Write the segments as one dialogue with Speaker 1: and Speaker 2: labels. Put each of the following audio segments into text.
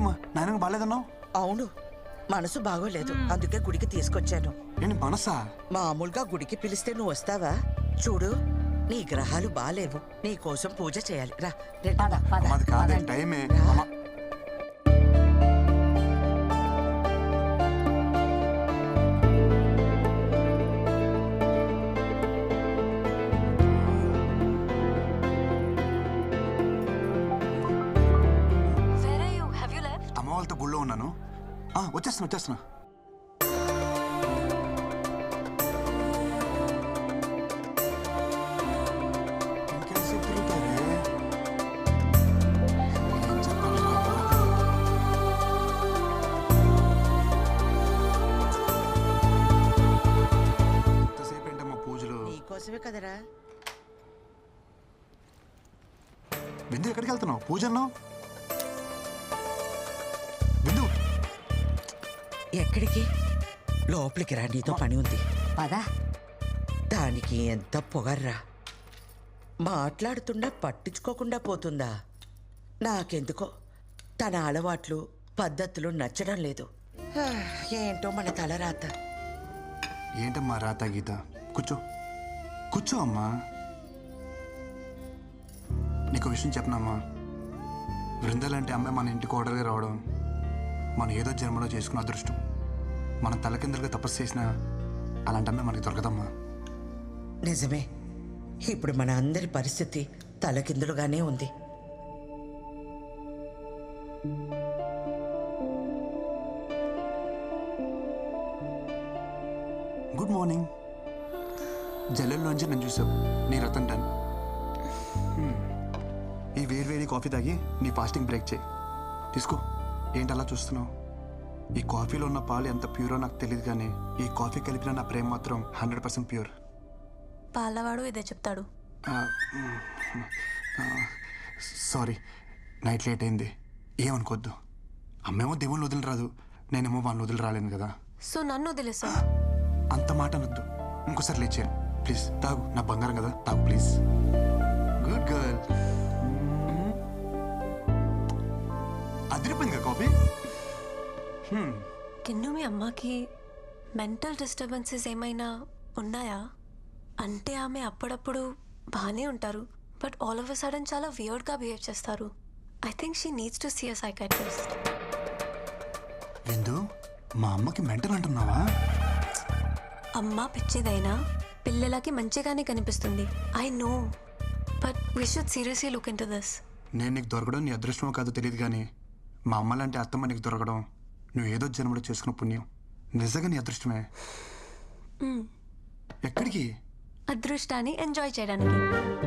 Speaker 1: ఎందుకమ్మా నాయనకు బాగాలేదన్నావు?
Speaker 2: అవును, మనసు బాగోలేదు, అందుకే గుడికి తీసుకొచ్చాను.
Speaker 1: ఏంటి మనసా?
Speaker 2: మామూలుగా గుడికి పిలిస్తే నువ్వు వస్తావా? చూడు, నీ గ్రహాలు బాలేవు, నీ కోసం పూజ చేయాలి. రా
Speaker 1: అది కాదే టైమే. అమ్మ వాళ్ళతో గుళ్ళో ఉన్నాను. వచ్చేస్తున్నా. ఎంతసేపు ఏంటమ్మా పూజలు?
Speaker 2: నీకోసమే కదరా.
Speaker 1: బిందు ఎక్కడికి వెళ్తున్నావు? పూజ అన్నావు. బిందు
Speaker 2: ఎక్కడికి? లోపలికి రా, నీతో పని ఉంది.
Speaker 3: పదా.
Speaker 2: దానికి ఎంత పొగర్రా, మాట్లాడుతున్నా పట్టించుకోకుండా పోతుందా? నాకెందుకో తన అలవాట్లు పద్ధతులు నచ్చడం లేదు. ఏంటో మన తలరాత.
Speaker 1: ఏంటమ్మా రాత గీత? కూర్చో అమ్మా. నీకు విషయం చెప్పనమ్మా, బృందాలంటే అమ్మాయి మన ఇంటికి ఓడర్గా రావడం మనం ఏదో జన్మలో చేసుకున్న అదృష్టం. మనం తలకిందులుగా తపస్సు చేసినా అలాంటి అమ్మాయి మనకి దొరకదమ్మా.
Speaker 2: నిజమే, ఇప్పుడు మన అందరి పరిస్థితి తలకిందులుగానే ఉంది.
Speaker 1: Good morning. జల్లెల్లోంచి నేను చూసావు, నీ రతన్ టన్. ఈ వేడి కాఫీ తాగి నీ ఫాస్టింగ్ బ్రేక్ చేయి. తీసుకో. ఏంటి అలా చూస్తున్నావు? ఈ కాఫీలో ఉన్న పాలు ఎంత ప్యూరో నాకు తెలియదు, కానీ ఈ కాఫీ కలిపిన నా ప్రేమ మాత్రం 100% ప్యూర్.
Speaker 4: పాలవాడు ఇదే చెప్తాడు.
Speaker 1: సారీ, నైట్ లేట్ అయింది, ఏమనుకోద్దు. అమ్మేమో దేవుళ్ళు వదిలి రాదు, నేనేమో వాళ్ళని వదిలి రాలేను కదా.
Speaker 4: సో నన్ను వదిలేసా?
Speaker 1: అంత మాట అనొద్దు. ఇంకోసారి లేచాను ప్లీజ్. తాగు, నా బంగారం కదా, తాగు ప్లీజ్. Good girl. అదిరిపోయింది కాఫీ.
Speaker 4: కిన్ను, మీ అమ్మకి మెంటల్ డిస్టర్బెన్సెస్ ఏమైనా ఉన్నాయా? అంటే ఆమె అప్పుడప్పుడు బాగానే ఉంటారు, but all of a sudden చాలా వియర్డ్గా బిహేవ్ చేస్తారు. I think she needs to see a psychiatrist.
Speaker 1: Vindu, మా అమ్మకి మెంటల్ అంటున్నావా?
Speaker 4: అమ్మ పిచ్చిదైనా పిల్లలకి మంచిగానే కనిపిస్తుంది. I know, but we should seriously look into this.
Speaker 1: నేను నీకు దొరకడం నీ అదృష్టమో కాదో తెలియదు, కానీ మా అమ్మ లాంటి అత్తమ్మ నీకు దొరకడం నువ్వు ఏదో జన్మలో చేసుకున్న పుణ్యం. నిజంగా నీ అదృష్టమే. ఎక్కడికి?
Speaker 4: అదృష్టాన్ని ఎంజాయ్ చేయడానికి.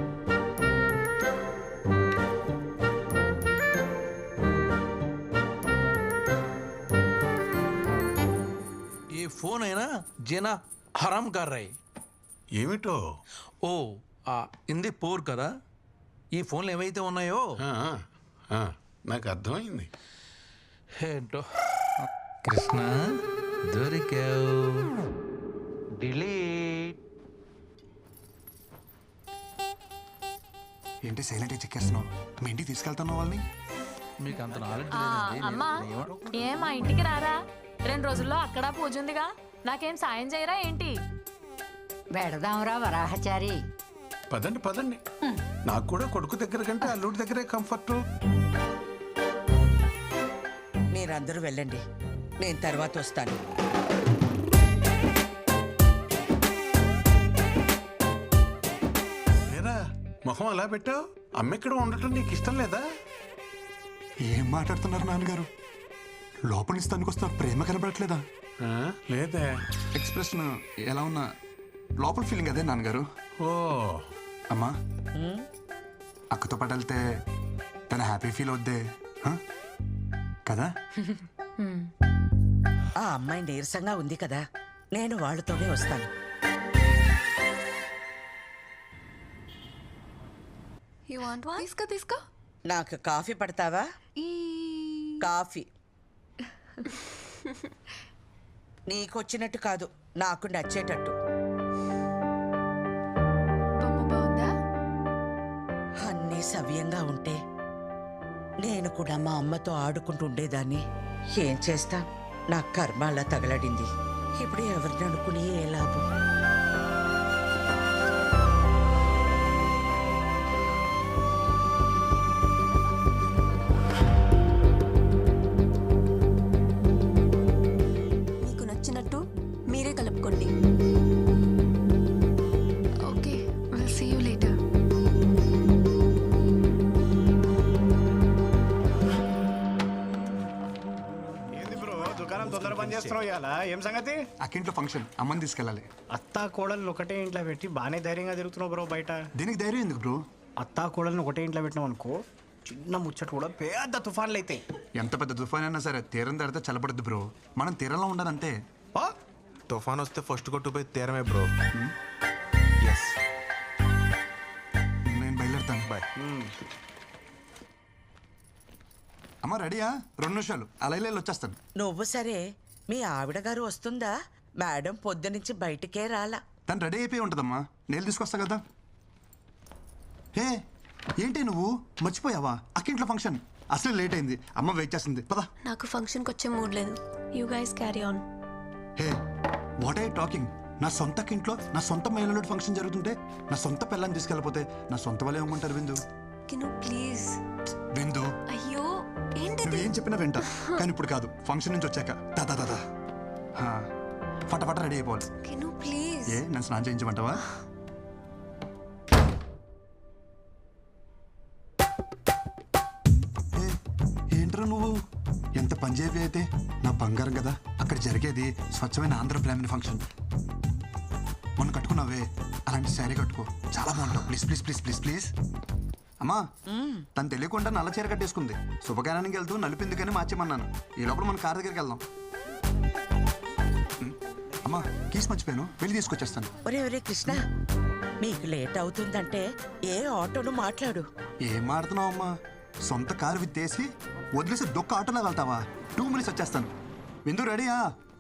Speaker 5: ये फोन है ना जेना हराम कर रहे.
Speaker 6: ఏమిటో?
Speaker 5: ఓ ఇంది పోర్ కదా. ఈ ఫోన్లు ఏవైతే ఉన్నాయో
Speaker 6: నాకు అర్థమైంది.
Speaker 5: ఏంటో. కృష్ణ దొరికావు. డిలీట్.
Speaker 1: ఏంటి సైలెంట్గా చెక్కేస్తున్నావు? మీ ఇంటికి తీసుకెళ్తున్నావు వాళ్ళని?
Speaker 5: మీకు అంత నాలెడ్జ్
Speaker 7: అమ్మా, ఏం మా ఇంటికి రారా? 2 రోజుల్లో అక్కడ పూజ ఉందిగా, నాకేం సాయం చేయరా ఏంటి?
Speaker 3: వెడదాంరా వరాహచారి.
Speaker 6: పదండి. నాకు కూడా కొడుకు దగ్గర కంటే అల్లుడి దగ్గరే కంఫర్ట్.
Speaker 2: మీరందరూ వెళ్ళండి, నేను తర్వాత వస్తాను.
Speaker 6: ఏరా మొహం అలా పెట్టావు? అమ్మెక్కడ ఉండటం నీకు ఇష్టం లేదా?
Speaker 1: ఏం మాట్లాడుతున్నారు నాన్నగారు? లోపల నుంచి తనుకొస్తున్న ప్రేమ కనబడట్లేదా?
Speaker 6: లేదే.
Speaker 1: ఎక్స్ప్రెషన్ ఎలా ఉన్నా లోపల ఫీలింగ్ అదే నాన్నగారు.
Speaker 6: ఓ
Speaker 1: అమ్మా, అక్కతో పాటు వెళ్తే తన హ్యాపీ ఫీల్ అవుద్దే కదా?
Speaker 2: ఆ అమ్మాయి నీరసంగా ఉంది కదా, నేను వాళ్ళతోనే వస్తాను.
Speaker 4: తీసుకో.
Speaker 2: నాకు కాఫీ పడతావా? కాఫీ నీకొచ్చినట్టు కాదు, నాకు నచ్చేటట్టు. అన్నీ సవ్యంగా ఉంటే నేను కూడా మా అమ్మతో ఆడుకుంటూ ఉండేదాన్ని. ఏం చేస్తా, నా కర్మ అలా తగలడింది. ఇప్పుడు ఎవరిని అనుకుని ఏ లాభం?
Speaker 4: మీకు నచ్చినట్టు మీరే కలుపుకోండి.
Speaker 8: Okay, will see you later.
Speaker 9: ఏంది బ్రో దుకాణం తొందర పని చేస్తున్నావు ఇవాళ? ఏం సంగతి?
Speaker 1: అక్కింట్లో ఫంక్షన్ అమ్మని తీసుకెళ్ళాలి.
Speaker 9: అత్తా కోడలు ఒకటే ఇంట్లో పెట్టి బాగానే ధైర్యంగా తిరుగుతున్నావు బ్రో బయట.
Speaker 1: దీనికి ధైర్యం ఎందుకు బ్రో?
Speaker 9: అత్తా కోడలను ఒకటే ఇంట్లో పెట్టినావు అనుకో, చిన్న ముచ్చట కూడా పెద్ద తుఫాన్లు అవుతాయి.
Speaker 1: ఎంత పెద్ద తుఫాన్ అయినా సరే తీరం దాడితే చల్లబడుద్ది బ్రో. మనం తీరంలో ఉండాలంతే.
Speaker 9: ఆ?
Speaker 10: తుఫాన్ వస్తే ఫస్ట్ కొట్టుపోయి తీరమే బ్రో. ఎస్
Speaker 1: నేను బయలుదేరుతాను. బాయ్. అమ్మ రెడీయా? 2 నిమిషాలు అలా వెళ్ళి వచ్చేస్తాను.
Speaker 2: నువ్వు సరే, మీ ఆవిడ గారు వస్తుందా? మేడం పొద్దునుంచి బయటికే రాలా.
Speaker 1: తను రెడీ అయిపోయి ఉంటుందమ్మా, నేను తీసుకొస్తా కదా. హే ఏంటి నువ్వు మర్చిపోయావా? అక్కింట్లో ఫంక్షన్ అసలు లేట్ అయింది. అమ్మ వెయిట్ చేస్తుంది, పదా.
Speaker 4: నాకు ఫంక్షన్కి వచ్చే మూడ్ లేదు. You guys carry on.
Speaker 1: Hey what I talking? నా సొంత ఇంట్లో నా సొంత మహిళలో ఫంక్షన్ జరుగుతుంటే నా సొంత పిల్లని తీసుకెళ్ళిపోతే నా సొంత వాళ్ళు ఏమంటారు? విందు
Speaker 4: కిను ప్లీజ్.
Speaker 1: విందు
Speaker 4: అయ్యో ఏంటిది?
Speaker 1: నువ్వేం చెప్పినా వింటా, కానీ ఇప్పుడు కాదు. ఫంక్షన్ నుంచి వచ్చాక దాదా దాదా ఫటాఫట రెడీ అయిపోవాలి.
Speaker 4: కిను ప్లీజ్.
Speaker 1: ఏ నన్ను స్నానం చేయించమంటావా? ఏంట్రా నువ్వు ఎంత పంజాబీ అయితే నా బంగారం కదా. అక్కడ జరిగేది స్వచ్ఛమైన ఆంధ్ర ఫ్యామిలీ ఫంక్షన్. మొన్న కట్టుకున్నావే అలాంటి శారీ కట్టుకో, చాలా బాగుంటావు. Please please please please please. అమ్మా తను తెలియకుండా నల్ల చీర కట్టేసుకుంది. శుభకార్యానికి వెళ్తూ నలిపింది కానీ మార్చేమన్నాను. ఈ లోపల మన కార్ దగ్గరికి వెళ్దాం. అమ్మా కీస్ మర్చిపోయాను, వెళ్ళి తీసుకొచ్చేస్తాను.
Speaker 2: ఒరే ఒరే కృష్ణ, మీకు లేట్ అవుతుందంటే ఏ ఆటోను మాట్లాడు.
Speaker 1: ఏం ఆడుతున్నావు అమ్మా? సొంత కారు విత్తేసి వదిలేసి దొక్క ఆటోలో వెళ్తావా? 2 మినిట్స్ వచ్చేస్తాను. విందు రెడీయా?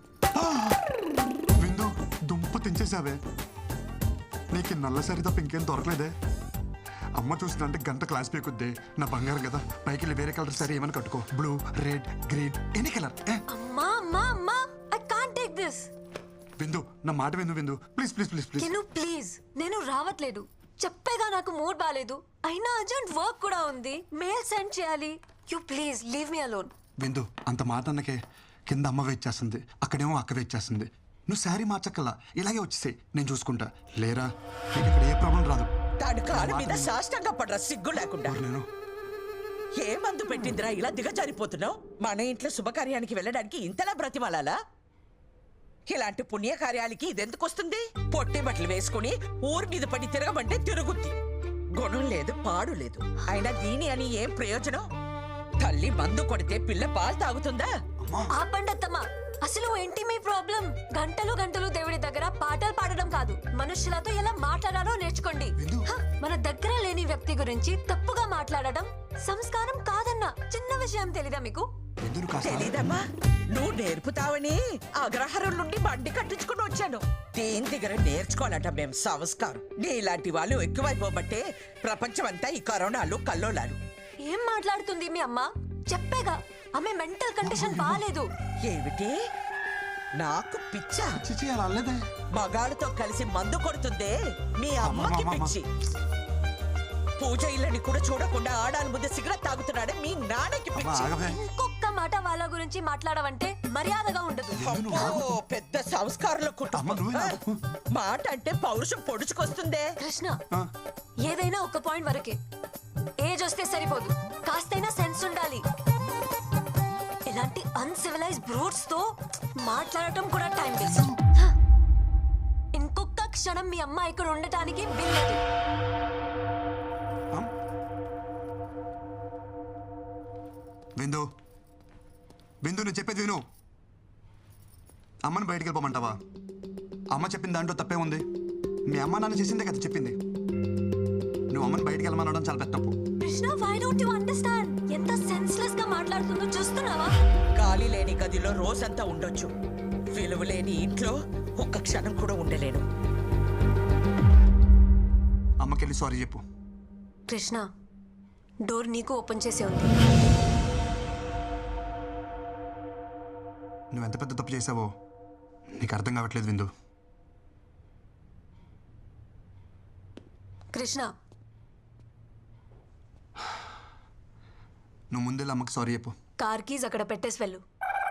Speaker 1: విందు దుంప తెంచేసావే. నీకు నల్ల సరి తప్ప ఇంకేం దొరకలేదే. అమ్మ చూసిందంటే గంట క్లాస్ పీకుద్ది. నా బంగారం కదా, పైకి వెళ్ళి వేరే కలర్ సరే ఏమని కట్టుకో. Blue, red, green, any colour.
Speaker 4: అమ్మా అమ్మా అమ్మా, ఐ కాంట్ టేక్ దిస్.
Speaker 1: విందు నా మాట విందు. Vindu please please please please.
Speaker 4: Kinu please, నేను రావట్లేదు. చెప్పేగా నాకు మూడ్ బాలేదు. అయినా అర్జెంట్ వర్క్ కూడా ఉంది, మెయిల్ సెండ్ చేయాలి. You please leave me alone.
Speaker 1: Vindu అంత మాట అన్నకే కింద అమ్మ వెయిట్ చేస్తుంది, అక్కడేమో అక్క వెయిట్ చేస్తుంది. నువ్వు శారీ మార్చక్కల్లా ఇలాగే వచ్చేసాయి, నేను చూసుకుంటా. లేరా నీకు ఇక్కడ ఏ ప్రాబ్లం రాదు.
Speaker 2: తాడు కాలు మీద సాష్టంగా పడరా సిగ్గు లేకుండా.
Speaker 1: నేను
Speaker 2: ఏ మందు పెట్టిందిరా ఇలా దిగజారిపోతున్నావు? మన ఇంట్లో శుభకార్యానికి వెళ్ళడానికి ఇంతలా బ్రతిమాలాలా? ఇలాంటి పుణ్యకార్యాలకి ఇదెందుకు వస్తుంది? పొట్టి బట్టలు వేసుకుని ఊరి మీద పడి తిరగమంటే తిరుగుద్ది. గుణం లేదు, పాడు లేదు. అయినా దీని అని ఏం ప్రయోజనం? తల్లి మందు కొడితే పిల్ల పాలు తాగుతుందా?
Speaker 4: ఆపండి అత్తమ్మ. అసలు ఏంటి మీ ప్రాబ్లం? గంటలు గంటలు దేవుడి దగ్గర పాటలు పాడడం కాదు, మనుషులతో ఎలా మాట్లాడాలో నేర్చుకోండి. హ, మన దగ్గర లేని వ్యక్తి గురించి తప్పుగా మాట్లాడడం సంస్కారం కాదన్న చిన్న విషయం తెలీదా మీకు?
Speaker 2: తెలీదమ్మా, నువ్వు నేర్పుతావని అగ్రహారం నుండి బండి కట్టించుకుని వచ్చాను. దేని దగ్గర నేర్చుకోవాలంట మేం సంస్కారం. నీలాంటి వాళ్ళు ఎక్కువైపోబట్టే ప్రపంచమంతా ఈ కరోనాలు కల్లోలాలు.
Speaker 4: ఏం మాట్లాడుతుంది మీ అమ్మ? చెప్పేగా ఆమె మెంటల్ కండిషన్ బాలేదు.
Speaker 2: ఏమిటి నాకు పిచ్చా?
Speaker 1: చిచి అలా అల్లేదే.
Speaker 2: మగాళ్ళతో కలిసి మందు కొడుతుందే మీ అమ్మకి పిచ్చి. పూజ ఇళ్ళని కూడా చూడకుండా ఆడాలి ముందు సిగరెట్ తాగుతున్నాడే మీ నాన్నకి పిచ్చి.
Speaker 4: ఇంకొక మాట వాళ్ళ గురించి మాట్లాడవంటే మర్యాదగా ఉండదు.
Speaker 2: అబ్బో, పెద్ద సంస్కారంలో కుటుంబం. మాట అంటే పౌరుషం పొడుచుకొస్తుందే.
Speaker 4: కృష్ణ, ఏదైనా ఒక పాయింట్ వరకే. ఏజ్ వస్తే సరిపోదు, కాస్తైనా సెన్స్ ఉండాలి. ఇలాంటి అన్సివిలైజ్ బ్రూట్స్ తో మాట్లాడటం కూడా టైం వేస్ట్. ఇంకొక క్షణం మీ అమ్మ ఇక్కడ ఉండటానికి వీల్లేదు.
Speaker 1: విందు విందు నువ్వు చెప్పేది విను. అమ్మని బయటికి వెళ్ళిపోమంటావా? అమ్మ చెప్పిన దాంట్లో తప్పే ఉంది. మీ అమ్మ నాన్న చేసిందే కదా చెప్పింది. నువ్వు అమ్మని బయటికి వెళ్ళమనడం చాలా పెద్ద తప్పు.
Speaker 4: Krishna, why don't you understand? ఎంత సెన్స్లెస్ గా మాట్లాడుతుందో చూస్తున్నావా?
Speaker 2: గాలి లేని గదిలో రోజంతా ఉండొచ్చు, విలువ లేని ఇంట్లో ఒక్క క్షణం కూడా ఉండలేను.
Speaker 1: అమ్మకెళ్ళి సారీ చెప్పు.
Speaker 4: కృష్ణ, డోర్ నీకు ఓపెన్ చేసే ఉంది.
Speaker 1: నువ్వు ఎంత పెద్ద తప్పు చేసావో నీకు అర్థం కావట్లేదు విందు.
Speaker 4: కృష్ణ,
Speaker 1: నువ్వు ముందే అమ్మకి సారీ చెప్పు.
Speaker 4: కార్ కీజ్ అక్కడ పెట్టేసి వెళ్ళు.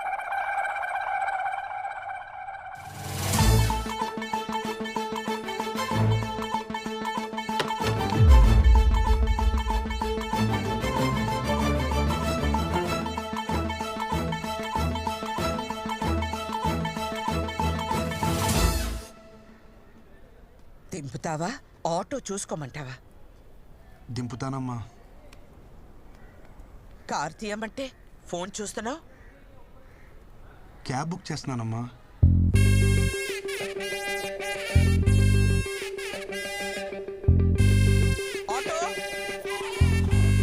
Speaker 2: దింపుతావా ఆటో చూసుకోమంటావా?
Speaker 1: దింపుతానమ్మా.
Speaker 2: కార్ తీయమంటే ఫోన్ చూస్తున్నావు.
Speaker 1: Cab book చేస్తున్నానమ్మా.